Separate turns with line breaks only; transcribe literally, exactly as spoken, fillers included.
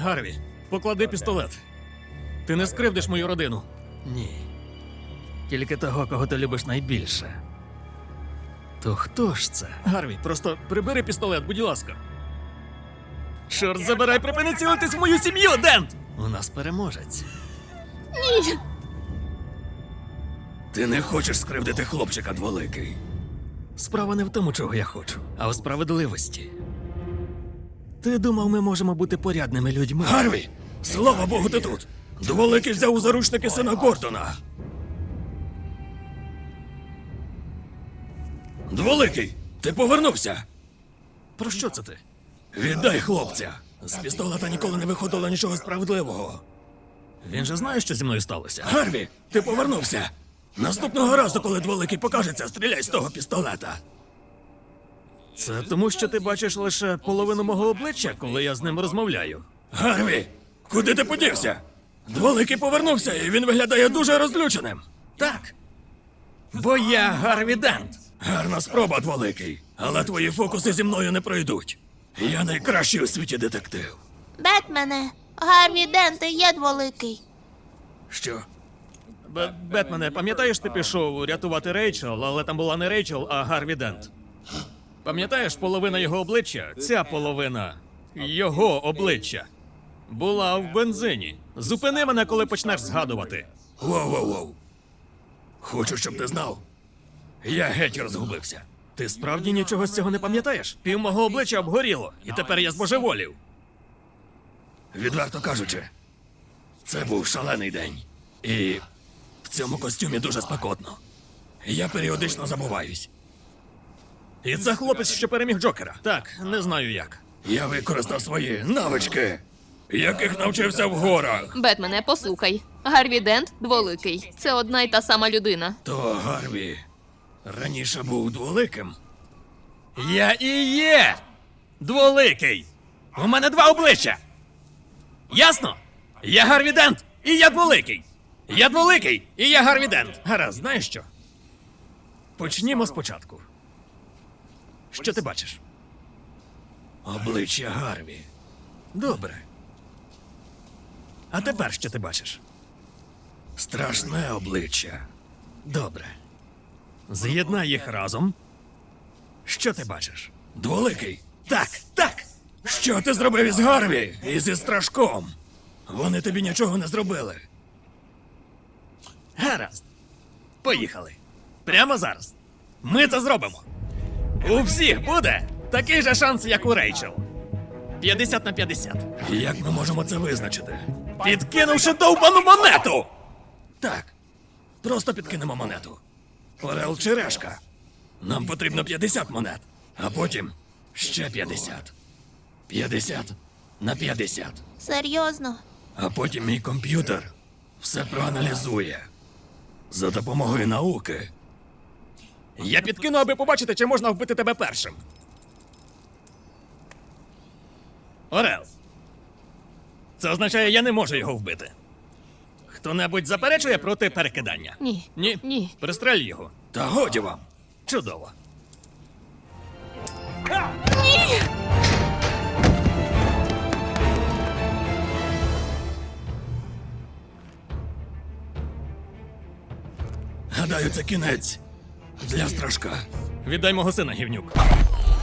Гарві, поклади пістолет. Ти не скривдиш мою родину.
Ні. Тільки того, кого ти любиш найбільше. То хто ж це?
Гарві, просто прибери пістолет, будь ласка. Чорт забирай, припини цілитись в мою сім'ю, Дент!
У нас переможець.
Ні.
Ти не хочеш скривдити хлопчика, дволикий.
Справа не в тому, чого я хочу, а у справедливості. Ти думав, ми можемо бути порядними людьми?
Гарві, слава Богу, ти тут. Дволикий взяв у заручники сина Гордона. Дволикий, ти повернувся.
Про що це ти?
Віддай хлопця. З пістолета ніколи не виходило нічого справедливого.
Він же знає, що зі мною сталося.
Гарві, ти повернувся. Наступного разу, коли дволикий покажеться, стріляй з того пістолета.
Це тому, що ти бачиш лише половину мого обличчя, коли я з ним розмовляю.
Гарві, куди ти подівся? Дволикий повернувся, і він виглядає дуже розлюченим.
Так. Бо я Гарві Дент.
Гарна спроба, дволикий. Але твої фокуси зі мною не пройдуть. Я найкращий у світі детектив.
Бетмене, Гарві Дент і є дволикий.
Що?
Б- Бетмене, пам'ятаєш, ти пішов рятувати Рейчел, але там була не Рейчел, а Гарві Дент? Пам'ятаєш, половина його обличчя, ця половина його обличчя, була в бензині. Зупини мене, коли почнеш згадувати.
Воу-воу-воу. Хочу, щоб ти знав. Я геть розгубився.
Ти справді нічого з цього не пам'ятаєш? Пів мого обличчя обгоріло, і тепер я збожеволів.
Відверто кажучи, це був шалений день. І в цьому костюмі дуже спекотно. Я періодично забуваюсь.
І це хлопець, що переміг Джокера. Так, не знаю як.
Я використав свої навички, яких навчився в горах.
Бетмене, послухай. Гарві Дент дволикий. Це одна й та сама людина.
То Гарві раніше був дволиким.
Я і є дволикий. У мене два обличчя. Ясно? Я Гарві Дент, і я дволикий. Я дволикий, і я Гарві Дент. Гаразд, знаєш що? Почнімо спочатку. Що ти бачиш?
Обличчя Гарві.
Добре. А тепер що ти бачиш?
Страшне обличчя.
Добре. З'єднай їх разом. Що ти бачиш?
Дволикий.
Так, так.
Що ти зробив із Гарві і зі Страшком? Вони тобі нічого не зробили.
Гаразд. Поїхали. Прямо зараз. Ми це зробимо. У всіх буде такий же шанс, як у Рейчел. п'ятдесят на п'ятдесят.
Як ми можемо це визначити?
Підкинувши довбану монету!
Так. Просто підкинемо монету. Орел чи решка. Нам потрібно п'ятдесят монет. А потім ще п'ятдесят. п'ятдесят на п'ятдесят.
Серйозно?
А потім мій комп'ютер все проаналізує. За допомогою науки.
Я підкину, аби побачити, чи можна вбити тебе першим. Орел. Це означає, я не можу його вбити. Хто-небудь заперечує проти перекидання?
Ні.
Ні?
Ні.
Пристрель його.
Та годі вам.
Чудово.
Гадаю, це кінець для Страшка.
Віддай мого сина, гівнюк.